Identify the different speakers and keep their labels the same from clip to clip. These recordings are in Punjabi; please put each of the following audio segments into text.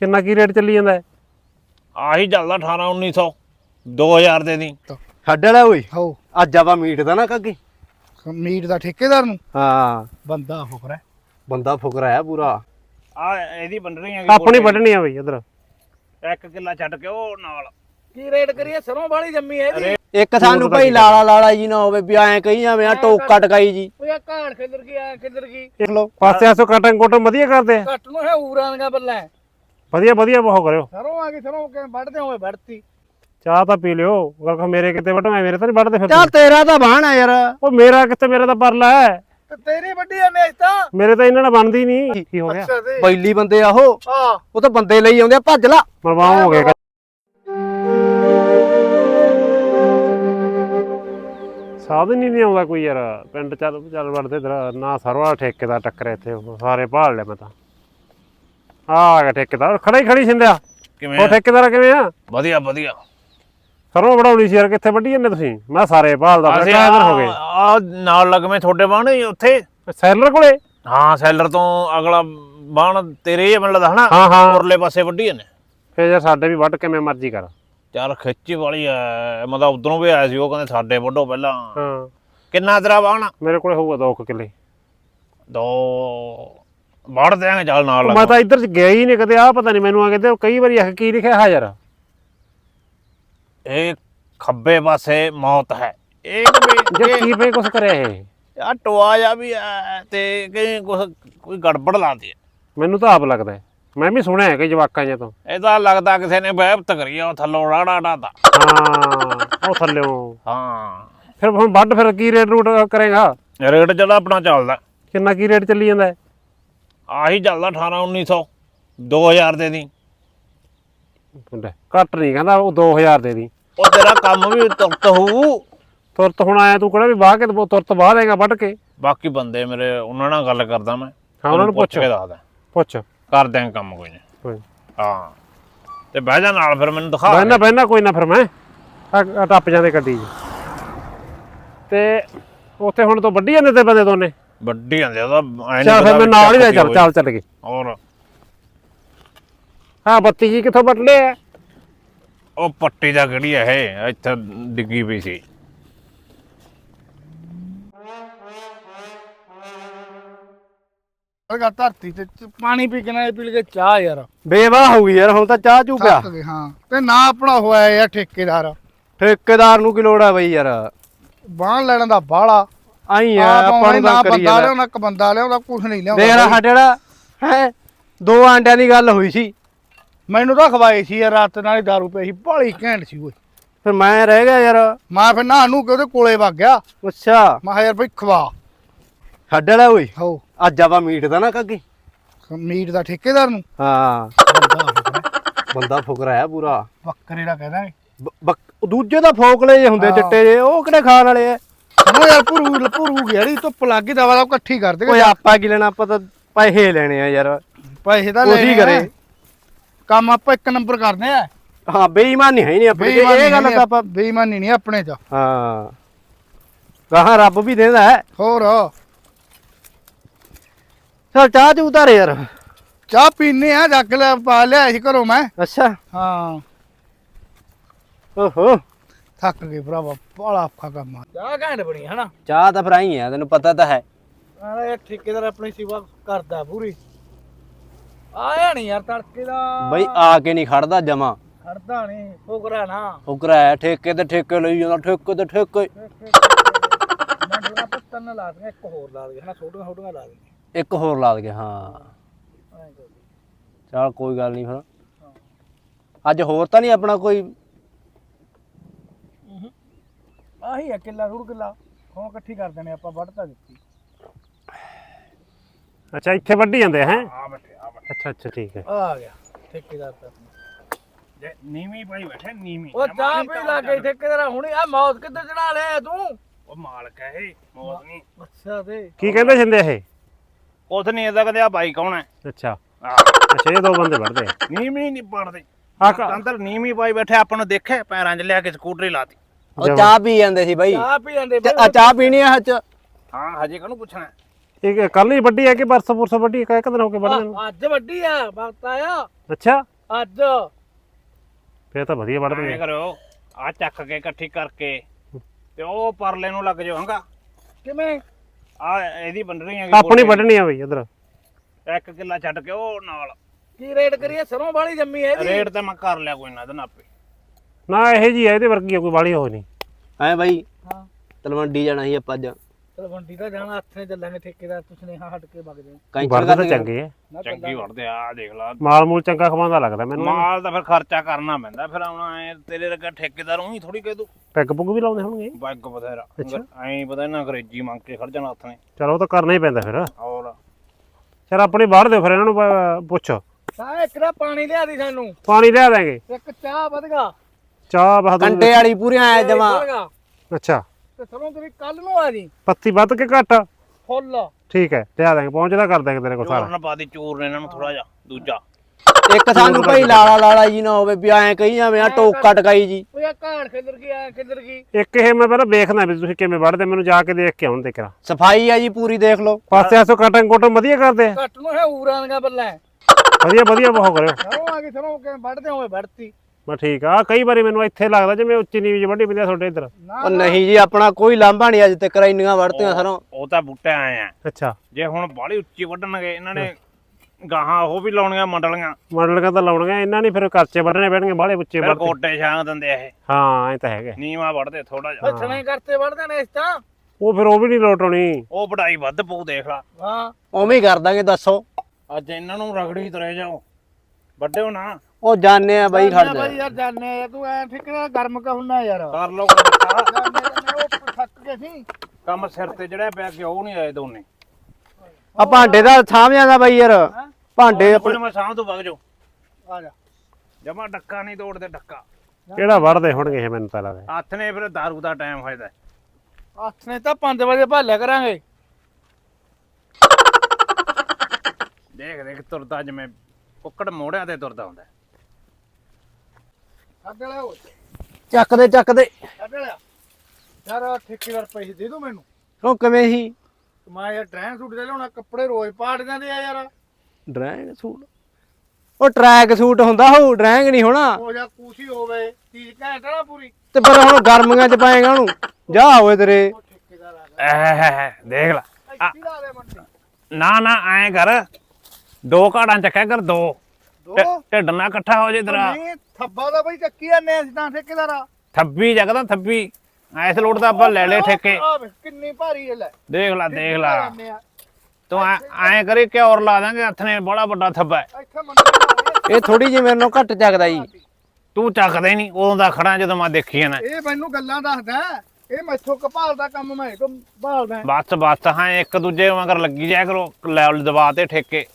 Speaker 1: ਕਿੰਨਾ ਕੀ ਰੇਟ ਚੱਲੀ ਜਾਂਦਾ?
Speaker 2: ਆਹੀ ਚੱਲਦਾ 18-1900 2000 ਦੇ ਦੀ
Speaker 3: ਛੱਡ ਵਾਲਾ ਓਏ।
Speaker 4: ਹੋ
Speaker 3: ਅੱਜ ਆਪਾਂ ਮੀਟ ਦਾ ਨਾ ਕਾਗੇ
Speaker 4: ਮੀਟ ਦਾ ਠੇਕੇਦਾਰ ਨੂੰ
Speaker 3: ਹਾਂ
Speaker 4: ਬੰਦਾ ਫੁਕਰਾ
Speaker 3: ਬੰਦਾ ਫੁਕਰਾ ਹੈ ਪੂਰਾ।
Speaker 2: ਆ ਇਹਦੀ ਵੰਡਣੀ ਆ
Speaker 1: ਆਪਣੀ ਵੱਢਣੀ ਆ ਬਈ ਇਧਰ
Speaker 2: 1 ਕਿੱਲਾ ਛੱਡ ਕੇ ਉਹ ਨਾਲ
Speaker 4: ਕੀ ਰੇਟ ਕਰੀਏ ਸਰੋਂ ਵਾਲੀ ਜੰਮੀ ਹੈ ਇਹਦੀ।
Speaker 3: ਇੱਕ ਸਾਨੂੰ ਭਾਈ ਲਾਲਾ ਜੀ ਨਾ ਹੋਵੇ ਵੀ ਐਂ ਕਹੀ ਜਾਵੇਂ ਆ ਟੋਕਾ ਟਕਾਈ ਜੀ।
Speaker 4: ਓਏ ਆ ਘਾਣ ਖਿੱਲਰ ਗਈ ਆ ਖਿੱਲਰ ਗਈ
Speaker 3: ਦੇਖ ਲਓ
Speaker 1: ਪਾਸੇ ਆਸੋ ਕਟਨ ਕੋਟਨ ਵਧੀਆ ਕਰਦੇ ਆ।
Speaker 4: ਘੱਟ ਨੂੰ ਹੈ ਊਰਾਂ ਦੀਆਂ ਬੱਲਾਂ
Speaker 1: ਵਧੀਆ ਵਧੀਆ ਬਹੁਤ ਕਰਿਓ।
Speaker 4: ਸਰੋਂ ਆ ਗਈ ਸਰੋਂ ਕਿ ਵੱਢਦੇ ਹੋਵੇ ਵੱਢਤੀ।
Speaker 1: ਚਾਹ ਤਾਂ ਪੀ ਲਿਓ। ਗੱਲ ਮੇਰੇ ਕਿਤੇ ਵੱਢਣਾ ਮੇਰੇ ਤਾਂ ਨਹੀਂ ਵੱਢਦੇ ਫਿਰ।
Speaker 3: ਚੱਲ ਤੇਰਾ ਤਾਂ ਬਾਣ ਆ ਯਾਰ।
Speaker 1: ਉਹ ਮੇਰਾ ਕਿੱਥੇ, ਮੇਰਾ ਤਾਂ ਪਰਲਾ ਹੈ।
Speaker 4: ਤੇ ਤੇਰੀ ਵੱਡੀ ਆ ਮੇਜ਼ ਤਾਂ
Speaker 1: ਮੇਰੇ ਤਾਂ ਇਹਨਾਂ ਨਾਲ ਬਣਦੀ ਨਹੀਂ। ਕੀ ਹੋ ਗਿਆ?
Speaker 4: ਅੱਛਾ ਤੇ
Speaker 3: ਬੈਲੀ ਬੰਦੇ ਆ
Speaker 4: ਹਾਂ
Speaker 3: ਉਹ ਤਾਂ ਬੰਦੇ ਲਈ ਆਉਂਦੇ ਆ। ਭੱਜ ਲਾ
Speaker 1: ਮਰਵਾਉ ਹੋ ਗਿਆ। ਸਾਧਨ ਹੀ ਨਹੀਂ ਆਉਂਦਾ ਕੋਈ ਯਾਰ ਪਿੰਡ। ਚੱਲ ਵੜਦੇ ਇਧਰ ਨਾ ਸਰਵਾ ਠੇਕੇਦਾਰ ਟੱਕਰੇ ਇੱਥੇ ਸਾਰੇ ਭਾਲ ਲਿਆ ਮੈਂ ਤਾਂ। ਆ ਗਿਆ ਠੇਕੇਦਾਰ ਖੜਾ ਹੀ ਖੜੀ ਸਿੰਦਿਆ।
Speaker 2: ਕਿਵੇਂ
Speaker 1: ਉਹ ਠੇਕੇਦਾਰ ਕਿਵੇਂ ਆ?
Speaker 2: ਵਧੀਆ ਵਧੀਆ।
Speaker 1: ਸਰੋਂ ਵੜਾਉਣੀ ਸੀ ਯਾਰ, ਕਿੱਥੇ ਵੱਢੀ ਜਾਂਦੇ ਤੁਸੀਂ? ਮੈਂ ਸਾਰੇ ਭਾਲਦਾ ਮੈਂ ਕਿਹਾ ਦਿਨ ਹੋ ਗਏ।
Speaker 2: ਆ ਨਾਲ ਲੱਗਵੇਂ ਤੁਹਾਡੇ ਬਾਣ ਉੱਥੇ
Speaker 1: ਸੈਲਰ ਕੋਲੇ?
Speaker 2: ਹਾਂ ਸੈਲਰ ਤੋਂ ਅਗਲਾ ਬਾਣ ਤੇਰੇ ਹੀ ਮੈਨੂੰ ਲੱਗਦਾ ਹਨਾ।
Speaker 1: ਹਾਂ ਹਾਂ
Speaker 2: ਉਰਲੇ ਪਾਸੇ ਵੱਢੀ ਜਾਂਦੇ।
Speaker 1: ਫੇਰ ਯਾਰ ਸਾਡੇ ਵੀ ਵੱਢ ਕਿਵੇਂ ਮਰਜ਼ੀ ਕਰ।
Speaker 2: ਯਾਰ ਖਿੱਚੀ ਵਾਲੀ ਐ। ਮਤਲਬ ਉਧਰੋਂ ਵੀ ਆਇਆ ਸੀ ਉਹ ਕਹਿੰਦੇ ਸਾਡੇ ਵੱਢੋ ਪਹਿਲਾਂ।
Speaker 1: ਹਾਂ
Speaker 2: ਕਿੰਨਾ ਤੇਰਾ ਬਾਣ?
Speaker 1: ਮੇਰੇ ਕੋਲੇ ਹੋਊਗਾ 2 ਕਿੱਲੇ।
Speaker 2: 2 ਵੱਢ ਦਿਆਂਗੇ ਚੱਲ ਨਾਲ
Speaker 1: ਮੈਂ ਤਾਂ ਇੱਧਰ ਗਿਆ ਹੀ ਨਹੀਂ ਕਦੇ। ਆ ਪਤਾ ਨਹੀਂ ਮੈਨੂੰ ਆ ਕਹਿੰਦੇ ਕਈ ਵਾਰੀ ਆਖ ਕੀ ਲਿਖਿਆ ਹੈ ਯਾਰ।
Speaker 2: ਇਹ ਖੱਬੇ ਪਾਸੇ ਮੌਤ ਹੈ। ਇਹ
Speaker 1: ਜੇ ਕੀ ਪਏ ਕੁਛ ਕਰਿਆ ਇਹ?
Speaker 2: ਆ ਟੋਆ ਜਾ ਵੀ ਐ ਤੇ ਕਈ ਕੋਈ ਗੜਬੜ ਲਾਦੀ ਹੈ।
Speaker 1: ਮੈਨੂੰ ਤਾਂ ਆਪ ਲੱਗਦਾ। ਮੈਂ ਵੀ ਸੁਣਿਆ ਹੈ ਕਿ ਜਵਾਕਾਂ ਜਾਂ ਤੋਂ।
Speaker 2: ਇਹਦਾ ਲੱਗਦਾ ਕਿਸੇ ਨੇ ਬਹਿਬਤ ਕਰੀ ਆ ਉਹ ਥੱਲੋਂ ਰਾੜਾ ਢਾਦਾ।
Speaker 1: ਹਾਂ ਉਹ ਥੱਲਿਓ।
Speaker 2: ਹਾਂ
Speaker 1: ਫਿਰ ਹੁਣ ਵੱਢ ਫਿਰ ਕੀ ਰੇਟ ਰੂਟ ਕਰੇਗਾ?
Speaker 2: ਰੇਟ ਜਿਹੜਾ ਆਪਣਾ ਚੱਲਦਾ
Speaker 1: ਕਿੰਨਾ ਕੀ ਰੇਟ ਚੱਲੀ ਜਾਂਦਾ?
Speaker 2: ਆਹੀ ਚੱਲਦਾ 18-1900 2000 ਦੇ ਦੀ।
Speaker 1: ਘੱਟ ਨਹੀਂ ਕਹਿੰਦਾ ਉਹ 2000 ਦੇ ਦੀ।
Speaker 2: ਉਹ ਤੇਰਾ ਕੰਮ ਵੀ ਤੁਰਤ ਹੋਊ।
Speaker 1: ਤੁਰਤ ਹੁਣ ਆਇਆ ਤੂੰ ਕਿਹੜਾ ਵੀ ਵਾਹ ਕੇ ਤੁਰਤ ਵਾਹ ਦੇਗਾ ਵੱਢ ਕੇ?
Speaker 2: ਬਾਕੀ ਬੰਦੇ ਮੇਰੇ ਉਹਨਾਂ ਨਾਲ ਗੱਲ ਕਰਦਾ ਮੈਂ।
Speaker 1: ਹਾਂ ਉਹਨਾਂ ਨੂੰ ਪੁੱਛ
Speaker 2: ਕੇ ਦੱਸਦਾ।
Speaker 1: ਪੁੱਛ
Speaker 2: ਕਰ ਦਿਆਂਗੇ ਕੰਮ ਕੋਈ ਨਹੀਂ। ਹਾਂ ਤੇ ਬਹਿ ਜਾ ਨਾਲ ਫਿਰ ਮੈਨੂੰ ਦਿਖਾ।
Speaker 1: ਬਹਿਣਾ ਕੋਈ ਨਾ ਫਿਰ ਮੈਂ ਆ ਟੱਪ ਜਾਂਦੇ ਗੱਡੀ 'ਚ। ਤੇ ਉੱਥੇ ਹੁਣ ਤੋਂ ਵੱਢੀ ਜਾਂਦੇ ਤੇ ਬੰਦੇ ਦੋਨੇ?
Speaker 2: ਵੱਡੀ ਜਾਂਦੇ ਉਹਦਾ
Speaker 1: ਚੱਲ ਫਿਰ ਮੈਂ ਨਾਲ ਹੀ ਲੈ ਚੱਲ ਗਏ।
Speaker 2: ਹੋਰ
Speaker 1: ਹਾਂ ਬੱਤੀ ਜੀ ਕਿੱਥੋਂ ਵੱਢ ਲਿਆ?
Speaker 2: ਉਹ ਪੱਟੀ ਦਾ ਕਿਹੜੀ ਇਹ ਇੱਥੇ ਡਿੱਗੀ ਪਈ ਸੀ।
Speaker 4: ਅਗਾ ਧਰਤੀ ਤੇ ਪਾਣੀ ਪੀ ਕੇ ਨਾ ਪੀ ਕੇ ਚਾਹ ਯਾਰ
Speaker 3: ਬੇਵਾਹ ਹੋ ਗਈ ਯਾਰ। ਹੁਣ ਤਾਂ ਚਾਹ ਚੂ ਪਿਆ।
Speaker 4: ਥੱਕ ਗਏ ਹਾਂ। ਤੇ ਨਾ ਆਪਣਾ ਹੋਇਆ ਯਾਰ ਠੇਕੇਦਾਰ।
Speaker 3: ਠੇਕੇਦਾਰ ਨੂੰ ਕੀ ਲੋੜ ਆ ਬਈ ਯਾਰ?
Speaker 4: ਬਾਣ ਲੈਣ ਦਾ ਬਾਹਲਾ
Speaker 3: ਆਈ ਆ ਆਪਾਂ ਨੂੰ ਤਾਂ ਕਰੀ
Speaker 4: ਬੰਦਾ
Speaker 3: ਜਾਂਦਾ।
Speaker 4: ਲਿਆਉਂਦਾ ਇੱਕ ਬੰਦਾ ਲਿਆਉਂਦਾ ਕੁਛ ਨਹੀਂ ਲਿਆਉਂਦਾ।
Speaker 3: ਦੇਖ ਲੈ ਸਾਡੇ ਜਿਹੜਾ ਹੈ 2 ਆਂਡਿਆਂ ਦੀ ਗੱਲ ਹੋਈ ਸੀ।
Speaker 4: ਮੈਨੂੰ ਤਾਂ ਖਵਾਏ ਸੀ ਯਾਰ ਰਾਤ ਨਾਲ ਹੀ ਦਾਰੂ ਪਈ ਸੀ। ਬਾਲੀ ਘੈਂਟ ਸੀ ਓਏ।
Speaker 3: ਫਿਰ ਮੈਂ ਰਹਿ ਗਿਆ ਯਾਰ।
Speaker 4: ਮੈਂ ਫਿਰ ਨਾ ਨੂੰ ਕਿ ਉਹਦੇ ਕੋਲੇ ਵਗ ਗਿਆ।
Speaker 3: ਅੱਛਾ
Speaker 4: ਮੈਂ ਕਿਹਾ ਯਾਰ ਬਈ ਖਵਾ।
Speaker 3: ਛੱਡ ਵਾਲਾ ਓਏ।
Speaker 4: ਹੋ
Speaker 3: ਅੱਜ ਆਪਾਂ ਮੀਟ ਦਾ ਨਾ ਕਾਗੇ
Speaker 4: ਮੀਟ ਦਾ ਠੇਕੇਦਾਰ ਨੂੰ
Speaker 3: ਹਾਂ
Speaker 4: ਬੰਦਾ ਫੁਕਰਾ।
Speaker 3: ਬੰਦਾ ਫੁਕਰਾ ਹੈ ਪੂਰਾ।
Speaker 4: ਬੱਕਰੇ ਦਾ ਕਹਿੰਦਾ
Speaker 3: ਦੂਜੇ ਦਾ ਫੋਕਲੇ ਜੇ ਹੁੰਦੇ ਚਿੱਟੇ ਜੇ ਉਹ ਕਿਹੜੇ ਖਾਣ ਵਾਲੇ ਐ?
Speaker 4: ਸੁਣੋ ਯਾਰ ਭਰੂ ਜਿਹੜੀ ਧੁੱਪ ਲੱਗ ਗਈ ਦਵਾ ਦਾ ਇਕੱਠੀ ਕਰ ਦੇ।
Speaker 3: ਓਏ ਆਪਾਂ ਕੀ ਲੈਣਾ? ਆਪਾਂ ਤਾਂ ਪੈਸੇ ਲੈਣੇ ਆ ਯਾਰ।
Speaker 4: ਪੈਸੇ ਤਾਂ
Speaker 3: ਉਹੀ ਕਰੇ
Speaker 4: ਕੰਮ ਆਪਾਂ ਇੱਕ ਨੰਬਰ ਕਰਦੇ ਆ।
Speaker 3: ਹਾਂ ਬੇਈਮਾਨੀ ਹੈ ਨਹੀਂ ਆਪਣੀ। ਇਹ ਗੱਲ ਤਾਂ ਆਪਾਂ
Speaker 4: ਬੇਈਮਾਨੀ ਨਹੀਂ ਆਪਣੇ ਚ।
Speaker 3: ਹਾਂ ਕਹਾਂ ਰੱਬ ਵੀ ਦਿੰਦਾ ਹੈ।
Speaker 4: ਹੋਰ
Speaker 3: ਚਲ ਚਾਹ ਚੂ ਉਤਾਰੇ ਯਾਰ।
Speaker 4: ਚਾਹ ਪੀਨੇ ਆ। ਜੱਗ ਲੈ ਪਾ ਲਿਆ ਸੀ ਘਰੋਂ ਮੈਂ।
Speaker 3: ਅੱਛਾ
Speaker 4: ਹਾਂ
Speaker 3: ਓਹੋ
Speaker 4: ਥੱਕ ਗਏ ਭਰਾਵਾ। ਬਾਲਾ ਔਖਾ ਕੰਮ ਆ। ਚਾਹ ਘੈਂਟ ਬਣੀ ਹਨਾ।
Speaker 3: ਚਾਹ ਤਾਂ ਫਰਾਈ ਆ ਤੈਨੂੰ ਪਤਾ ਤਾਂ ਹੈ।
Speaker 4: ਇਹ ਠੇਕੇਦਾਰ ਆਪਣੀ ਸੇਵਾ ਕਰਦਾ ਪੂਰੀ। ਆਇਆ ਨਹੀਂ ਯਾਰ ਤੜਕੇ ਦਾ
Speaker 3: ਬਈ ਆ ਕੇ ਨਹੀਂ ਖੜਦਾ ਜਮਾ।
Speaker 4: ਖੜਦਾ ਨਹੀਂ ਫੁਕਰਾ ਨਾ।
Speaker 3: ਫੁਕਰਾ ਹੈ। ਠੇਕੇ ਤੇ ਠੇਕੇ ਲਈ ਜਾਂਦਾ। ਠੇਕੇ ਤੇ ਠੇਕੇ।
Speaker 4: ਮੈਂ ਥੋੜਾ ਪੱਤਨ ਲਾ ਦਿੰਦਾ। ਇੱਕ ਹੋਰ ਲਾ ਦੇ ਹਨਾ। ਛੋਟੀਆਂ ਲਾ ਦੇ।
Speaker 3: ਇੱਕ ਹੋਰ ਲਾ ਦਗੇ। ਹਾਂ ਚਲ ਕੋਈ ਗੱਲ ਨਹੀਂ। ਫਿਰ ਅੱਜ ਹੋਰ ਤਾਂ ਨਹੀਂ ਆਪਣਾ ਕੋਈ?
Speaker 4: ਆਹੀ ਆ ਕਿੱਲਾ ਰੂੜ ਕਿੱਲਾ ਹੁਣ ਇਕੱਠੀ ਕਰ ਦੇਣੇ ਆਪਾਂ। ਵੱਢ ਤਾਂ ਦਿੱਤੀ।
Speaker 1: ਅੱਛਾ ਇੱਥੇ ਵੱਢੀ ਜਾਂਦੇ ਹੈ?
Speaker 2: ਆ ਬੈਠੇ ਆ
Speaker 1: ਅੱਛਾ ਅੱਛਾ ਠੀਕ ਹੈ।
Speaker 4: ਆ ਗਿਆ ਠੇਕੇਦਾਰ ਤਾਂ।
Speaker 2: ਜੇ ਨੀਵੀਂ ਪਾਈ ਬੈਠੇ ਨੀਵੀਂ।
Speaker 4: ਉਹ ਚਾਹ ਪੀ ਲਾ ਕੇ ਠੇਕੇਦਾਰ ਹੁਣੀ ਆ ਮੌਤ ਕਿੱਧਰ ਚੜਾ ਲਿਆ ਤੂੰ?
Speaker 2: ਉਹ ਮਾਲਕ ਹੈ ਇਹ ਮੌਤ ਨਹੀਂ।
Speaker 4: ਅੱਛਾ ਤੇ
Speaker 1: ਕੀ ਕਹਿੰਦੇ ਸਿੰਦੇ ਇਹ?
Speaker 2: ਕੁਛ ਨਹੀਂ ਇਹਦਾ ਕਹਿੰਦੇ ਆ ਬਾਈ ਕੌਣ ਹੈ?
Speaker 1: ਅੱਛਾ
Speaker 2: ਆਹ
Speaker 1: ਅੱਛਾ ਇਹ 2 ਬੰਦੇ ਵੱਢਦੇ ਆ।
Speaker 2: ਨੀਵੀਂ ਨਹੀਂ ਪੜਦੇ।
Speaker 1: ਆ
Speaker 2: ਅੰਦਰ ਨੀਵੀਂ ਪਾਈ ਬੈਠੇ। ਆਪਾਂ ਨੂੰ ਦੇਖੇ ਪੈਰਾਂ 'ਚ ਲਿਆ ਕੇ ਸਕੂਟਰੀ ਲਾਤੀ।
Speaker 3: ਉਹ ਚਾਹ ਪੀ ਜਾਂਦੇ ਸੀ ਬਾਈ।
Speaker 4: ਚਾਹ ਪੀ ਜਾਂਦੇ
Speaker 3: ਆ ਚਾਹ ਪੀਣੀ ਆ ਹੱਚ।
Speaker 2: ਹਾਂ ਹਜੇ ਕਾਹਨੂੰ ਪੁੱਛਣਾ?
Speaker 1: ਇਹ ਕੱਲ ਹੀ ਵੱਢੀ ਆ ਕਿ ਪਰਸੋਂ ਪੁਰਸੋਂ ਵੱਢੀ? ਕਹਿ ਦਿਨ ਹੋ ਕੇ ਵੱਢਦੇ ਨੂੰ?
Speaker 4: ਅੱਜ ਵੱਡੀ ਆ ਵਕਤ ਆਇਆ।
Speaker 1: ਅੱਛਾ
Speaker 4: ਅੱਜ
Speaker 1: ਫੇਰ ਤਾਂ ਵਧੀਆ ਵੱਢ
Speaker 2: ਐਂ
Speaker 1: ਦੇ।
Speaker 2: ਕਰਿਓ ਆ ਚੱਕ ਕੇ ਇਕੱਠੀ ਕਰਕੇ ਤੇ ਉਹ ਪਰਲੇ ਨੂੰ ਲੱਗ ਜਾਓ ਹੰਗਾ।
Speaker 4: ਕਿਵੇਂ
Speaker 2: ਆ ਇਹਦੀ ਬੰਡਣੀ ਹੈਗੀ
Speaker 1: ਆਪਣੀ ਵੱਢਣੀ ਆ ਬਈ ਉਧਰ।
Speaker 2: 1 ਕਿੱਲਾ ਛੱਡ ਕੇ ਉਹ ਨਾਲ
Speaker 4: ਕੀ ਰੇਟ ਕਰੀਏ ਸਰੋਂ ਵਾਲੀ ਜੰਮੀ ਹੈ ਇਹਦੀ
Speaker 2: ਰੇਟ ਤਾਂ ਮੈਂ ਕਰ ਲਿਆ ਕੋਈ ਨਾ ਇਹਦੇ ਨਾਲ ਆਪੇ।
Speaker 1: ਨਾ ਇਹ ਜੀ ਆ, ਇਹਦੇ ਵਰਗੀ ਆ, ਕੋਈ ਬਾਲੀ ਹੋ ਨਹੀਂ।
Speaker 3: ਐ ਬਾਈ
Speaker 4: ਹਾਂ
Speaker 3: ਤਲਵੰਡੀ ਜਾਣਾ ਸੀ ਆਪਾਂ ਅੱਜ
Speaker 4: ਤਲਵੰਡੀ ਤਾਂ ਜਾਣਾ ਹੱਥ ਨੇ ਚੱਲਾਂਗੇ ਠੇਕੇਦਾਰ ਤੂੰ ਸੁਨੇਹਾ ਹਟ ਕੇ ਵਗ ਜਾ
Speaker 3: ਕੈਂਚਰ
Speaker 1: ਵੱਢਦੇ ਤਾਂ
Speaker 3: ਕਰਕੇ
Speaker 1: ਚੰਗੇ ਆ,
Speaker 4: ਨਾ
Speaker 2: ਚੰਗੀ ਵੜਦੇ ਆ ਦੇਖ ਲਾ।
Speaker 1: ਮਾਲ ਮੂਲ ਚੰਗਾ ਖਵਾਉਂਦਾ ਲੱਗਦਾ ਮੈਨੂੰ।
Speaker 2: ਮਾਲ ਤਾਂ ਫਿਰ ਖਰਚਾ ਕਰਨਾ ਪੈਂਦਾ ਫਿਰ ਆਉਣਾ ਐ ਤੇਰੇ ਵਰਗਾ ਠੇਕੇਦਾਰ ਉਹੀ ਥੋੜੀ ਕਹਿ ਦੂ
Speaker 1: ਪੈਗ ਪੁੱਗ ਵੀ ਲਾਉਂਦੇ ਹੋਣਗੇ।
Speaker 2: ਬੱਗ ਬਥੇਰਾ
Speaker 1: ਅੱਛਾ।
Speaker 2: ਐਂ ਪਤਾ ਨਾ ਅੰਗਰੇਜ਼ੀ ਮੰਗ ਕੇ ਖੜ ਜਾਣਾ ਹੱਥ ਨੇ।
Speaker 1: ਚਲੋ ਉਹ ਤਾਂ ਕਰਨਾ ਹੀ ਪੈਂਦਾ ਫਿਰ।
Speaker 2: ਔਰ
Speaker 1: ਚਲ ਆਪਣੀ ਬਾਹਰ ਦਿਓ ਫਿਰ ਇਹਨਾਂ ਨੂੰ ਪੁੱਛ।
Speaker 4: ਤਾਂ ਇੱਕ ਦਾ ਪਾਣੀ ਲਿਆ ਦੀ ਸਾਨੂੰ
Speaker 1: ਪਾਣੀ ਲਿਆ ਦਾਂਗੇ,
Speaker 4: ਇੱਕ ਚਾਹ ਵਧਗਾ
Speaker 1: ਚਾਹ ਬਹਾਦੁਰ।
Speaker 3: ਕੰਡੇ ਵਾਲੀ ਪੂਰੀਆਂ ਐ ਜਮਾ।
Speaker 1: ਅੱਛਾ
Speaker 4: ਤੇ ਸਰੋਂ ਤੇਰੀ ਕੱਲ ਨੂੰ ਆ ਜੀ
Speaker 1: ਪੱਤੀ ਵੱਧ ਕੇ ਘੱਟ।
Speaker 4: ਫੁੱਲ
Speaker 1: ਠੀਕ ਹੈ ਲਿਆ ਦਾਂਗੇ, ਪਹੁੰਚਦਾ ਕਰ ਦਾਂਗੇ ਤੇਰੇ ਕੋਲ ਸਾਰਾ।
Speaker 2: ਚੂਰਨ ਪਾ ਦੀ ਚੂਰਨ ਇਹਨਾਂ ਨੂੰ ਥੋੜਾ ਜਿਹਾ ਦੂਜਾ।
Speaker 3: ਇੱਕ ਸਾਨੂੰ ਭਾਈ ਲਾਲਾ ਜੀ ਨਾ ਹੋਵੇ ਵੀ ਐ ਕਹੀ ਜਾਵੇਂ ਆ ਟੋਕਾ ਟਕਾਈ ਜੀ।
Speaker 4: ਉਹ ਆ ਘਾੜ ਖਿੱਲਰ ਗਈ ਆ ਖਿੱਲਰ ਗਈ
Speaker 1: ਇੱਕ ਇਹ ਮੈਂ ਪਹਿਲਾਂ ਵੇਖਣਾ ਵੀ ਤੁਸੀਂ ਕਿਵੇਂ ਵੱਢਦੇ, ਮੈਨੂੰ ਜਾ ਕੇ ਦੇਖ ਕੇ ਆਉਣ ਦੇ ਕਰਾ।
Speaker 3: ਸਫਾਈ ਆ ਜੀ ਪੂਰੀ ਦੇਖ ਲਓ।
Speaker 1: ਪਾਸੇ ਆਸੋ ਕਟਨ ਕੋਟਨ ਵਧੀਆ ਕਰਦੇ ਆ।
Speaker 4: ਘੱਟ ਨੂੰ ਹੈ ਊਰਾਂ ਦੀਆਂ ਬੱਲਾਂ
Speaker 1: ਵਧੀਆ ਵਧੀਆ ਬਹੁਤ ਕਰਿਓ।
Speaker 4: ਸਰੋਂ ਆ ਗਈ ਸਰੋਂ ਕਿ ਵੱਢਦੇ ਹੋਵੇ ਵੱਢਤੀ
Speaker 1: ਮੈਂ ਠੀਕ ਆ। ਕਈ ਵਾਰੀ ਮੈਨੂੰ ਇੱਥੇ ਲੱਗਦਾ ਜਿਵੇਂ ਉੱਚੀ ਨੀਵੀਂ ਚ ਵੱਢੀ ਪੈਂਦੀ ਆ ਤੁਹਾਡੇ ਇੱਧਰ।
Speaker 3: ਉਹ ਨਹੀਂ ਜੀ ਆਪਣਾ ਕੋਈ ਲਾਂਭਾ ਨਹੀਂ ਅੱਜ ਤੱਕ ਇੰਨੀਆਂ ਵੜਤੀਆਂ ਸਰੋਂ।
Speaker 2: ਉਹ ਤਾਂ ਬੂਟੇ ਆਏ ਆ।
Speaker 1: ਅੱਛਾ
Speaker 2: ਜੇ ਹੁਣ ਬਾਹਲੀ ਉੱਚੀ ਵੱਢਣਗੇ ਇਹਨਾਂ ਨੇ ਗਾਹਾਂ ਉਹ ਵੀ ਲਾਉਣੀਆਂ ਮੰਡਲੀਆਂ।
Speaker 1: ਮੰਡਲੀਆਂ ਤਾਂ ਲਾਉਣੀਆਂ ਇਹਨਾਂ ਨਹੀਂ, ਫਿਰ ਕਰਚੇ ਵੱਢਣੇ ਪੈਣਗੇ ਬਾਹਲੇ ਉੱਚੇ
Speaker 2: ਫਿਰ
Speaker 1: ਵੱਢਦੇ।
Speaker 2: ਗੋਡੇ ਛਾਂ ਦਿੰਦੇ ਆ ਇਹ।
Speaker 1: ਹਾਂ ਇਹ ਤਾਂ ਹੈਗਾ।
Speaker 2: ਨੀਵਾਂ ਵੱਢਦੇ ਥੋੜਾ ਜਿਹਾ।
Speaker 4: ਹੱਥਣੇ ਕਰਤੇ ਵੱਢਦੇ ਨੇ ਇਸ ਤਾਂ
Speaker 1: ਉਹ ਫਿਰ ਉਹ ਵੀ ਨਹੀਂ ਲੋਟਣੀ।
Speaker 2: ਉਹ ਵਢਾਈ ਵੱਧ ਪਊ ਦੇਖ ਲਾ।
Speaker 4: ਹਾਂ
Speaker 3: ਉਵੇਂ ਹੀ ਕਰ ਦਾਂਗੇ ਦੱਸੋ।
Speaker 2: ਅੱਜ ਇਹਨਾਂ ਨੂੰ ਰਗੜੀ ਤੁਰੇ ਜਾਓ ਵੱਢਿਓ ਨਾ।
Speaker 3: ਉਹ ਜਾਣੇ ਆ ਬਾਈ ਖੜ
Speaker 4: ਬਾਈ
Speaker 3: ਜਾ।
Speaker 4: ਯਾਰ ਜਾਣੇ ਆ ਤੂੰ ਐ ਠੇਕੇਦਾਰ ਗਰਮ ਕਾ ਹੁੰਨਾ ਯਾਰ
Speaker 2: ਕਰ ਲਓ ਕੰਮ।
Speaker 4: ਉਹ ਥੱਕ ਗਏ ਸੀ
Speaker 2: ਕੰਮ ਸਿਰ ਤੇ ਜਿਹੜਾ ਪਿਆ ਕਿ ਉਹ ਨਹੀਂ ਆਏ ਦੋਨੇ।
Speaker 3: ਆ ਭਾਂਡੇ ਦਾ ਸਾਂਭ ਜਾਂਦਾ ਬਾਈ ਯਾਰ। ਭਾਂਡੇ
Speaker 2: ਆਪਣੇ ਮੈਂ ਸਾਹ ਤੋਂ ਵਗ ਜਾਓ।
Speaker 4: ਆ ਜਾ
Speaker 2: ਜਮਾ ਡੱਕਾ ਨਹੀਂ ਤੋੜਦੇ ਡੱਕਾ।
Speaker 1: ਕਿਹੜਾ ਵੱਢਦੇ ਹੋਣਗੇ ਇਹ ਮੈਨੂੰ ਤਾਂ ਲੱਗਦਾ।
Speaker 2: ਹੱਥ ਨੇ ਫਿਰ ਦਾਰੂ ਦਾ ਟਾਈਮ ਹੋਇਦਾ।
Speaker 4: ਹੱਥ ਨੇ ਤਾਂ 5 ਵਜੇ ਭਾਲਿਆ ਕਰਾਂਗੇ।
Speaker 2: ਦੇਖ ਦੇਖ ਤੁਰਦਾ ਜਿਵੇਂ ਕੁੱਕੜ ਮੋੜਿਆਂ ਤੇ ਤੁਰਦਾ ਹੁੰਦਾ।
Speaker 4: ਛੱਡ ਲਿਆ ਓਏ
Speaker 3: ਚੱਕਦੇ ਚੱਕਦੇ।
Speaker 4: ਛੱਡ ਲਿਆ ਯਾਰ ਠੇਕੇਦਾਰ ਪੈਸੇ ਦੇ ਦੋ ਮੈਨੂੰ।
Speaker 3: ਉਹ ਕਿਵੇਂ ਸੀ
Speaker 4: ਮੈਂ ਯਾਰ ਡਰੈਨ ਸੂਟ ਦੇ ਲਿਆਉਣਾ ਕੱਪੜੇ ਰੋਜ਼ ਪਾੜ ਜਾਂਦੇ ਆ ਯਾਰ।
Speaker 3: ਡਰੈਂਗ ਸੂਟ? ਉਹ ਟਰੈਕ ਸੂਟ ਹੁੰਦਾ ਹੋਊ, ਡਰੈਂਗ ਨਹੀਂ ਹੋਣਾ।
Speaker 4: ਉਹ ਜਾਂ ਕੁਛ ਹੋਵੇ ਚੀਜ਼ ਘੈਂਟ ਨਾ ਪੂਰੀ।
Speaker 3: ਤੇ ਪਰ ਹੁਣ ਗਰਮੀਆਂ ਚ ਪਾਏਗਾ ਉਹਨੂੰ। ਜਾ ਹੋਏ ਤੇਰੇ।
Speaker 4: ਉਹ ਠੇਕੇਦਾਰ ਆ ਗਿਆ
Speaker 2: ਦੇਖ ਲੈ
Speaker 4: ਇੱਥੇ ਲਾ ਦੇ ਮੰਡੀ।
Speaker 2: ਨਾ ਨਾ ਐਂ ਕਰ 2 ਘਾੜਾਂ ਚੱਕਿਆ ਕਰ 2
Speaker 4: ਦੋ
Speaker 2: ਢਿੱਡ ਨਾ ਇਕੱਠਾ ਹੋ ਜੇ ਤੇਰਾ।
Speaker 4: ਨਹੀਂ ਥੱਬਾ ਦਾ ਬਈ ਚੱਕੀ ਜਾਂਦੇ ਅਸੀਂ ਤਾਂ ਠੇਕੇਦਾਰਾ।
Speaker 2: ਥੱਬੀ ਜਗਦਾ ਥੱਬੀ ਐਸ ਲੋਟ ਦਾ ਆਪਾਂ ਲੈ ਲੈ ਠੇਕੇ।
Speaker 4: ਆ ਵੇਖ ਕਿੰਨੀ ਭਾਰੀ ਹੈ ਲੈ
Speaker 2: ਦੇਖ ਲੈ ਦੇਖ ਲੈ
Speaker 4: ਜਾਂਦੇ ਆ।
Speaker 2: ਤੂੰ ਐਂ ਕਰੀ ਕਿ ਹੋਰ ਲਾ ਦਾਂਗੇ ਹੱਥ ਨੇ ਬੜਾ ਵੱਡਾ ਥੱਬਾ ਹੈ।
Speaker 4: ਇੱਥੇ ਮੰਡੀ
Speaker 3: ਇਹ ਥੋੜੀ ਜਿਹੀ ਮੇਰੇ ਨਾਲ ਘੱਟ ਚੱਕਦਾ ਜੀ।
Speaker 2: ਤੂੰ ਚੱਕਦਾ ਹੀ ਨਹੀਂ ਉਦੋਂ ਦਾ ਖੜਾ ਜਦੋਂ ਮੈਂ ਦੇਖੀ ਜਾਣਾ।
Speaker 4: ਇਹ ਮੈਨੂੰ ਗੱਲਾਂ ਦੱਸਦਾ ਇਹ ਮੈਥੋਂ ਕਪਾਲ ਦਾ ਕੰਮ ਮੈਂ ਤੋਂ ਭਾਲਦਾ।
Speaker 2: ਬਸ ਬਸ ਹਾਂ ਇੱਕ ਦੂਜੇ ਮਗਰ ਲੱਗੀ ਜਾਇਆ ਕਰੋ ਲੈਵਲ ਦਬਾ ਤੇ ਠੇਕੇ।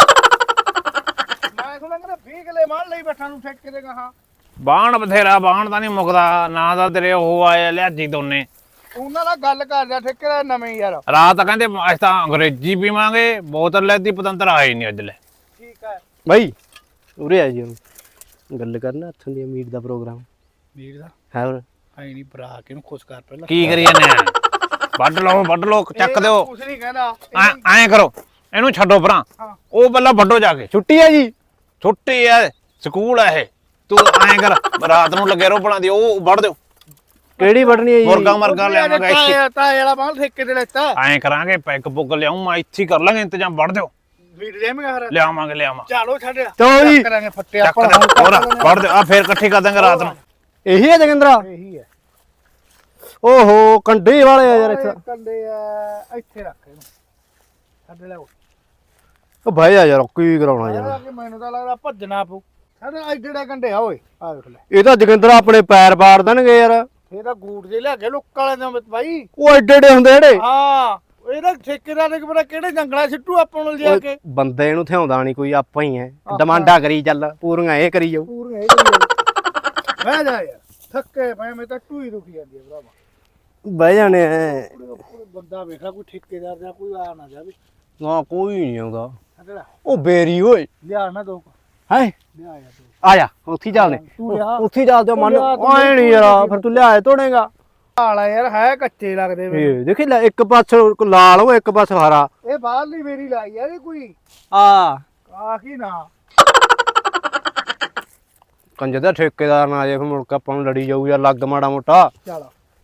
Speaker 4: ਮੈਂ ਸੁਣਿਆ ਕਿ 20 ਕਿਲੇ ਮਾਰ ਲਈ ਬੈਠਾ ਨੂੰ ਠੇਕੇ ਦੇ ਕਹਾ।
Speaker 2: ਬਾਣ ਬਥੇਰਾ ਬਾਣ ਤਾਂ ਨਹੀਂ ਮੁੱਕਦਾ ਨਾ ਦਾ ਤੇਰੇ ਉਹ ਆਏ ਲਿਆਜੀ ਦੋਨੇ।
Speaker 4: ਉਹਨਾਂ ਨਾਲ ਗੱਲ ਕਰ ਜਾ ਠੇਕੇਦਾਰ ਨਵੇਂ ਯਾਰ।
Speaker 2: ਰਾਤ ਕਹਿੰਦੇ ਅਸੀਂ ਤਾਂ ਅੰਗਰੇਜ਼ੀ ਪੀਵਾਂਗੇ ਬੋਤਲ ਲੈਦੀ ਪਤੰਤਰ ਆਏ ਨਹੀਂ ਅੱਜ ਲੈ।
Speaker 4: ਠੀਕ ਹੈ
Speaker 3: ਬਾਈ ਉਰੇ ਆ ਜੀ ਹੁਣ ਗੱਲ ਕਰਨਾ ਹੱਥੋਂ ਦੀ ਮੀਟ ਦਾ ਪ੍ਰੋਗਰਾਮ
Speaker 4: ਵੀਰ ਦਾ
Speaker 3: ਹੈ ਹੋਰ।
Speaker 4: ਐ ਨਹੀਂ ਭਰਾ ਕੇ ਨੂੰ ਖੁਸ਼ ਕਰ ਪਹਿਲਾਂ।
Speaker 2: ਕੀ ਕਰੀ ਜਾਂਦੇ ਆ ਵੱਢ ਲਓ ਚੱਕ ਦਿਓ।
Speaker 4: ਕੁਛ ਨਹੀਂ ਕਹਿੰਦਾ
Speaker 2: ਐਂ ਕਰੋ ਇਹਨੂੰ ਛੱਡੋ ਭਰਾ।
Speaker 4: ਹਾਂ।
Speaker 2: ਉਹ ਪਹਿਲਾਂ ਵੱਢੋ ਜਾ ਕੇ।
Speaker 3: ਛੁੱਟੀ ਆ ਜੀ।
Speaker 2: ਛੁੱਟੀ ਐ ਸਕੂਲ ਐ ਇਹ। ਤੂੰ ਐਂ ਕਰ ਰਾਤ ਨੂੰ ਲੱਗੇ ਰਹੋ ਬਣਾ ਦੀ ਉਹ ਵੱਢ ਦਿਓ।
Speaker 3: ਕਿਹੜੀ ਵੱਢਣੀ ਹੈ ਜੀ?
Speaker 2: ਮੁਰਗਾ ਮਰਗਾ ਲਿਆਵਾਂਗਾ ਇੱਥੇ।
Speaker 4: ਤਾਂ ਵਾਲਾ ਬਾਲ ਠੇਕੇ ਤੇ ਲੈਤਾ
Speaker 2: ਐਂ ਕਰਾਂਗੇ ਪੈਗ ਪੁੱਗ ਲਿਆਉਂ ਮੈਂ ਇੱਥੇ ਹੀ ਕਰ ਲਾਂਗੇ ਇੰਤਜ਼ਾਮ ਵੱਢ ਦਿਓ।
Speaker 4: ਵੀਰ ਦੇਵਾਂਗਾ ਫਿਰ
Speaker 2: ਲਿਆਵਾਂਗੇ
Speaker 4: ਚਲੋ ਛੱਡ
Speaker 3: ਚਲੋ ਜੀ।
Speaker 4: ਕਰਾਂਗੇ ਫੱਟੇ
Speaker 2: ਚੱਕ
Speaker 4: ਆਪਾਂ
Speaker 2: ਦੇ ਹੋਰ ਵੱਢ ਦਿਓ ਆ ਫੇਰ ਇਕੱਠੀ ਕਰ ਦਾਂਗੇ ਰਾਤ ਨੂੰ।
Speaker 3: ਇਹੀ ਹੈ ਜਗਿੰਦਰਾ?
Speaker 4: ਇਹੀ ਹੈ
Speaker 3: ਓਹੋ ਕੰਡੇ ਵਾਲੇ ਆ ਯਾਰ ਇੱਥੇ।
Speaker 4: ਕੰਡੇ ਆ ਇੱਥੇ ਰੱਖ ਇਹਨੂੰ ਛੱਡ ਲੈ
Speaker 3: ਉਹ ਭਾਈ ਆ ਯਾਰ ਕੀ ਕਰਾਉਣਾ ਯਾਰ।
Speaker 4: ਕਿ ਮੈਨੂੰ ਤਾਂ ਲੱਗਦਾ ਭੱਜਣਾ ਪਊ। ਸਾਡੇ ਐਡੇ ਕੰਡੇ ਆ ਓਏ ਆ ਵੇਖ ਲੈ।
Speaker 3: ਇਹ ਤਾਂ ਜਗਿੰਦਰਾ ਆਪਣੇ ਪੈਰ ਪਾੜ ਦੇਣਗੇ ਯਾਰ।
Speaker 4: ਇਹ ਤਾਂ ਗੂੜ ਜੇ ਲਿਆ ਕੇ ਲੋਕਾਂ ਵਾਲਿਆਂ ਦੇ ਬਾਈ।
Speaker 3: ਉਹ ਐਡੇ ਐਡੇ ਹੁੰਦੇ ਜਿਹੜੇ।
Speaker 4: ਹਾਂ ਇਹਦਾ ਠੇਕੇਦਾਰ ਨੇ ਪਤਾ ਕਿਹੜੇ ਜੰਗਲਾਂ ਸਿੱਟੂ ਆਪਾਂ ਨੂੰ ਲਿਜਾ ਕੇ।
Speaker 3: ਬੰਦੇ ਨੂੰ ਥਿਆਉਂਦਾ ਨਹੀਂ ਕੋਈ, ਆਪਾਂ ਹੀ ਐ ਡਿਮਾਂਡਾਂ ਕਰੀ ਚੱਲ ਪੂਰੀਆਂ ਇਹ ਕਰੀ ਜਾਊ।
Speaker 4: ਪੂਰੀਆਂ ਇਹ ਕਰੀ ਬਹਿ ਜਾ ਯਾਰ ਥੱਕੇ ਪਏ ਮੈਂ ਤਾਂ ਟੂਈ ਦੁਖੀ ਜਾਂਦੀ ਹੈ ਭਰਾਵਾ।
Speaker 3: ਬਹਿ ਜਾਣੇ ਐ।
Speaker 4: ਬੰਦਾ ਵੇਖਾ ਕੋਈ ਠੇਕੇਦਾਰ ਜਾਂ ਕੋਈ ਆ ਨਾ ਜਾਵੇ।
Speaker 3: ਨਾ ਕੋਈ ਨਹੀਂ ਆਉਂਦਾ।
Speaker 4: ਛੱਡ ਲੈ
Speaker 3: ਉਹ ਬੇਰੀ ਓਏ
Speaker 4: ਲਿਆ ਨਾ ਦੋ
Speaker 3: ਹੈ।
Speaker 4: ਲਿਆ ਯਾਰ ਦੋ
Speaker 3: ਆ ਜਾ ਉੱਥੇ ਹੀ ਚੱਲਦੇ।
Speaker 4: ਤੂੰ ਲਿਆ
Speaker 3: ਉੱਥੇ ਹੀ ਚੱਲਦੇ ਮਨ
Speaker 4: ਲਿਆ ਤੂੰ
Speaker 3: ਆਏ ਨਹੀਂ ਯਾਰ ਫਿਰ ਤੂੰ ਲਿਆਏ ਤੋੜੇਗਾ।
Speaker 4: ਹਾਲਾ ਯਾਰ ਹੈ ਕੱਚੇ ਲੱਗਦੇ ਵੇ।
Speaker 3: ਇਹ ਦੇਖੀ ਲੈ ਇੱਕ ਪਾਸੇ ਲਾਲ ਉਹ ਇੱਕ ਪਾਸੇ ਹਰਾ।
Speaker 4: ਇਹ ਬਾਹਰਲੀ ਮੇਰੀ ਲਾਈ ਯਾਰ ਇਹ ਕੋਈ
Speaker 3: ਆ
Speaker 4: ਆ ਕੀ ਨਾ
Speaker 3: ਕੰਜਰ ਦਾ ਠੇਕੇਦਾਰ ਨਾ ਆ ਜਾਏ ਫਿਰ ਮੁੜ ਕੇ ਆਪਾਂ ਨੂੰ ਲੜੀ ਜਾਊ ਯਾਰ ਲੱਗ ਮਾੜਾ ਮੋਟਾ।
Speaker 4: ਚੱਲ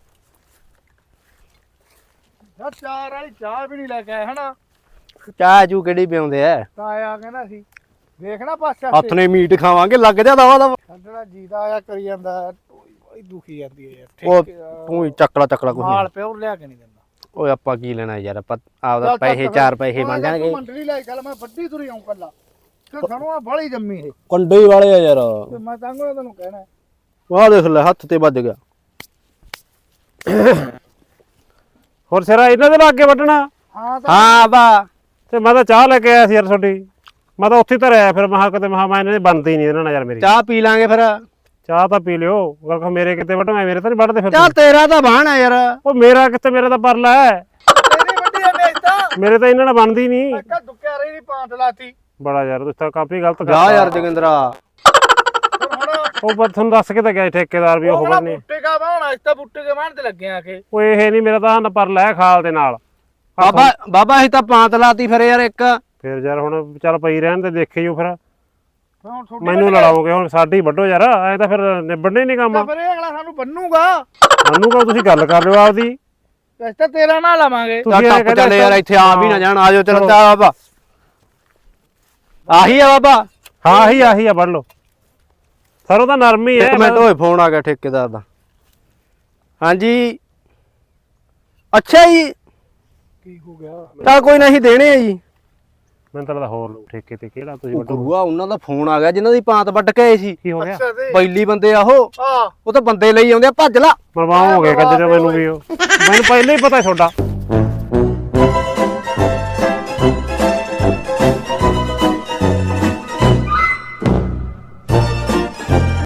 Speaker 4: ਯਾਰ ਚਾਰ ਵਾਲੀ ਚਾਹ ਵੀ ਨਹੀਂ ਲੈ ਕੇ ਆਏ ਹਨਾ।
Speaker 3: ਚਾਹ ਚੂ ਕਿਹੜੀ ਪਿਆਉਂਦੇ ਐ?
Speaker 4: ਤਾਂ ਆਇਆ ਕਹਿੰਦਾ ਸੀ ਦੇਖਣਾ ਪਾਸੇ
Speaker 3: ਹੱਥ ਨੇ ਮੀਟ ਖਾਵਾਂਗੇ ਲੱਗ ਜਾ ਦਵਾ ਦਵਾ।
Speaker 4: ਸਾਡਾ ਜੀਦਾ ਆਇਆ ਕਰੀ ਜਾਂਦਾ ਬੜੀ ਦੁਖੀ ਜਾਂਦੀ ਹੈ ਯਾਰ
Speaker 3: ਉਹ
Speaker 4: ਠੇਕੇਦਾਰ
Speaker 3: ਤੂੰ ਹੀ ਚੱਕਲਾ ਕੁਛ
Speaker 4: ਮਾਲ
Speaker 3: ਨਹੀਂ।
Speaker 4: ਪਿਓ ਲਿਆ ਕੇ ਨਹੀਂ ਦਿੰਦਾ।
Speaker 3: ਓਏ ਆਪਾਂ ਕੀ ਲੈਣਾ ਯਾਰ ਆਪਾਂ ਆਪਦਾ ਪੈਸੇ 4 ਪੈਸੇ ਮੰਗਾਂਗੇ।
Speaker 4: ਮੰਡਲੀ ਲੈ ਚੱਲ ਮੈਂ ਵੱਡੀ ਤੁਰੀ ਆਉਂ ਕੱਲਾ ਤੇ ਸਾਨੂੰ ਆ ਬੜੀ ਜੰਮੀ ਇਹ
Speaker 3: ਕੰਡੇ ਹੀ ਵਾਲੇ ਆ ਯਾਰ।
Speaker 4: ਤੇ ਮੈਂ ਤਾਂ ਤੈਨੂੰ ਕਹਿਣਾ
Speaker 3: ਵਾਹ ਦੇਖ ਲੈ ਹੱਥ ਤੇ ਵੱਜ ਗਿਆ।
Speaker 1: ਹੋਰ ਸਿਰਾ ਇਹਨਾਂ ਦੇ ਲਾਗੇ ਵੱਢਣਾ।
Speaker 4: ਹਾਂ ਤਾਂ
Speaker 3: ਹਾਂ ਬਾ
Speaker 1: ਤੇ ਮੈਂ ਤਾਂ ਚਾਹ ਲੈ ਕੇ ਆਇਆ ਸੀ ਯਾਰ ਤੁਹਾਡੀ। ਮੈਂ ਤਾਂ ਉੱਥੇ ਧਰਿਆ ਫਿਰ ਮਹਾ ਕਿਤੇ ਮਹਾ ਮੈਂ ਇਹਨਾਂ ਦੀ ਬਣਦੀ ਨਹੀਂ ਇਹਨਾਂ ਨਾਲ ਯਾਰ ਮੇਰੀ।
Speaker 3: ਚਾਹ ਪੀ ਲਾਂਗੇ ਫਿਰ।
Speaker 1: ਚਾਹ ਤਾਂ ਪੀ ਲਿਓ ਅਗਰ ਕੋ ਮੇਰੇ ਕਿਤੇ ਵੱਢ ਮੈਂ ਮੇਰੇ ਤਾਂ ਨਹੀਂ ਵੱਢਦੇ ਫਿਰ
Speaker 3: ਚਾਹ ਤੇਰਾ ਤਾਂ ਬਾਣ ਆ ਯਾਰ।
Speaker 1: ਉਹ ਮੇਰਾ ਕਿਤੇ ਮੇਰੇ ਤਾਂ ਪਰਲਾ ਹੈ।
Speaker 4: ਤੇਰੀ ਵੱਡੀ ਆ ਮੇਜ ਤਾਂ
Speaker 1: ਮੇਰੇ ਤਾਂ ਇਹਨਾਂ ਨਾਲ ਬਣਦੀ ਨਹੀਂ।
Speaker 4: ਮੈਂ ਕਾ ਦੁੱਕਿਆ ਰਹੀ ਨਹੀਂ ਪਾਂਟ ਲਾਤੀ
Speaker 1: ਬੜਾ ਯਾਰ ਤੁਸੀਂ ਤਾਂ ਕਾਫੀ ਗਲਤ
Speaker 3: ਜਾ
Speaker 1: ਕਰਤਾ
Speaker 3: ਯਾਰ ਜਗਿੰਦਰਾ।
Speaker 4: ਹੁਣ
Speaker 1: ਉਹ ਪਰ ਤੁਹਾਨੂੰ ਦੱਸ ਕੇ ਤਾਂ ਗਿਆ ਸੀ ਠੇਕੇਦਾਰ ਵੀ ਉਹ
Speaker 4: ਉਹ
Speaker 1: ਕਰਨੇ।
Speaker 4: ਬੁੱਟੇ ਕਾ ਬਾਉਣਾ ਇਸ ਤਾਂ ਬੁੱਟੇ ਕੇ ਬਾਣ ਤੇ ਲੱਗੇ ਆ ਕੇ
Speaker 1: ਉਹ ਇਹ ਨਹੀਂ ਮੇਰਾ ਤਾਂ ਪਰਲਾ ਹੈ ਖਾਲ ਦੇ ਨਾਲ।
Speaker 3: ਬਾਬਾ ਅਸੀਂ ਤਾਂ ਪਾਂਤ ਲਾਤੀ ਫਿਰ ਯਾਰ ਇੱਕ।
Speaker 1: ਫਿਰ ਯਾਰ ਹੁਣ ਚੱਲ ਪਈ ਰਹਿਣ ਤੇ ਦੇਖਿਓ ਫਿਰ
Speaker 4: ਹੁਣ ਤੁਹਾਡੀ
Speaker 1: ਮੈਨੂੰ ਲੜਾਓਗੇ ਹੁਣ ਸਾਡੀ ਵੱਢੋ ਯਾਰ ਐ ਤਾਂ ਫਿਰ ਨਿਬੜਨੇ ਨਹੀਂ ਕੰਮ।
Speaker 4: ਤਾਂ ਫਿਰ ਇਹ ਅਗਲਾ ਸਾਨੂੰ ਬੰਨੂਗਾ
Speaker 1: ਮੈਨੂੰ ਕਹੋ ਤੁਸੀਂ ਗੱਲ ਕਰ ਲਿਓ ਆਪਦੀ।
Speaker 4: ਇਸ ਤਾਂ ਤੇਰਾ ਨਾ ਲਵਾਂਗੇ
Speaker 3: ਚੱਲ
Speaker 1: ਤੁਸੀਂ ਐਂ
Speaker 3: ਟੱਪ
Speaker 1: ਕਹਿੰਦੇ
Speaker 3: ਚੱਲੇ ਯਾਰ ਇੱਥੇ ਆ ਵੀ ਨਾ ਜਾਣ। ਆਜੋ ਚਲੋ ਚਾਹ ਬਾਬਾ। ਆਹੀ ਆ ਬਾਬਾ।
Speaker 1: ਹਾਂ ਆਹੀ ਆ ਵੱਢ ਲਓ। ਸਰੋਂ ਤਾਂ ਨਰਮ ਹੀ ਹੈ।
Speaker 3: ਇੱਕ ਮਿੰਟ ਹੋਏ ਫੋਨ ਆ ਗਿਆ ਠੇਕੇਦਾਰ ਦਾ। ਹਾਂਜੀ ਅੱਛਾ ਜੀ
Speaker 4: ਕੀ ਹੋ ਗਿਆ
Speaker 3: ਤਾਂ ਕੋਈ ਨਹੀਂ ਦੇਣੇ ਆ ਜੀ।
Speaker 1: ਮੈਨੂੰ ਤਾਂ ਲੱਗਦਾ ਹੋਰ ਲਓ ਠੇਕੇ ਤੇ ਕਿਹੜਾ ਤੁਸੀਂ ਵੱਢੋ।
Speaker 3: ਗੁਰੂਆ ਉਹਨਾਂ ਦਾ ਫੋਨ ਆ ਗਿਆ ਜਿਨ੍ਹਾਂ ਦੀ ਪਾਂਤ ਵੱਢ ਕੇ ਆਏ ਸੀ।
Speaker 1: ਕੀ ਹੋ ਗਿਆ?
Speaker 4: ਅੱਛਾ ਤੇ
Speaker 3: ਪਹਿਲੀ ਬੰਦੇ ਆ ਉਹ
Speaker 4: ਆ
Speaker 3: ਤਾਂ ਬੰਦੇ ਲਈ ਆਉਂਦੇ ਆ ਭੱਜ ਲਾ।
Speaker 1: ਮਰਵਾਓ ਹੋ ਗਿਆ ਕੰਜਰ ਮੈਨੂੰ ਵੀ ਉਹ ਮੈਨੂੰ ਪਹਿਲਾਂ ਹੀ ਪਤਾ ਤੁਹਾਡਾ।